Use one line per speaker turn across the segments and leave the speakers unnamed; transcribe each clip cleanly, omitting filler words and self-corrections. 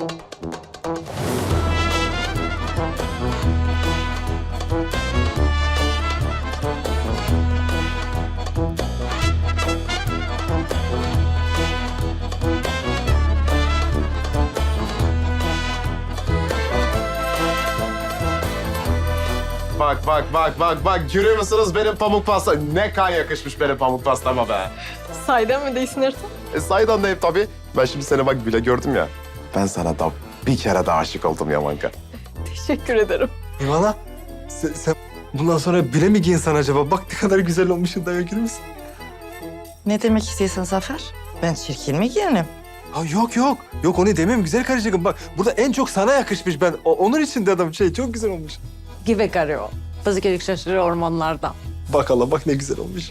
Bak. Görüyor musunuz benim pamuk pasta? Ne kan yakışmış benim pamuk pastama be.
Sahiden mi değilsin Ertan?
Sahiden deyim tabii. Ben şimdi seni bak bile gördüm ya. Ben sana da bir kere daha aşık oldum Yamanka.
Teşekkür ederim.
İvana, sen bundan sonra bile mi giyinsen acaba? Bak ne kadar güzel olmuşsun, daha görür müsün?
Ne demek istiyorsun Zafer? Ben çirkin mi giyinim?
Ha, yok. Yok onu demem güzel karıcığım. Bak burada en çok sana yakışmış ben. Onun için dedim çok güzel olmuş.
Gibi karıyor. Fızık şaşırıyor ormanlarda.
Bak Allah bak ne güzel olmuş.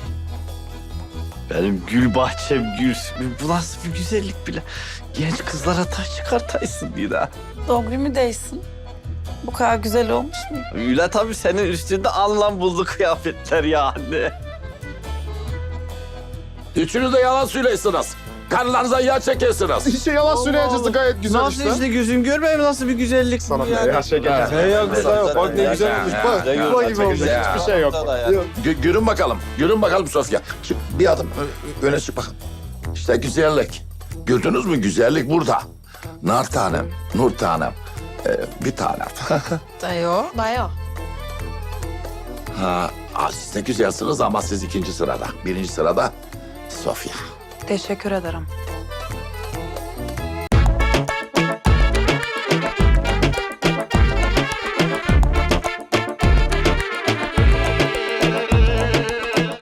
Benim gül bahçem gülsün. Bu nasıl bir güzellik bile. Genç kızlara taş çıkartaysın bir daha.
Doğru mu değilsin? Bu kadar güzel olmuş mu?
Öyle tabii senin üstünde anlam buldu kıyafetler yani.
Üçünüz de yalan söylüyorsunuz. Karılarınıza yağ çekiyorsunuz.
Hiç yalan söyleyeceğiz gayet güzel
Nasıl işte gözüm görmüyor mu? Nasıl bir güzellik
Sana
bu
ne ya şeker.
Ne ya güzel yok. Bak ne güzel olmuş. Bak yuva gibi olmuş.
Hiçbir şey yok.
Görün bakalım. Görün bakalım Sofya. Çık, bir adım öne çık bakın. İşte güzellik. Gördünüz mü güzellik burada. Nar tanem, nur tanem. Bir tanem.
Dayo.
Siz de güzelsiniz ama siz ikinci sırada. Birinci sırada Sofya.
Teşekkür ederim.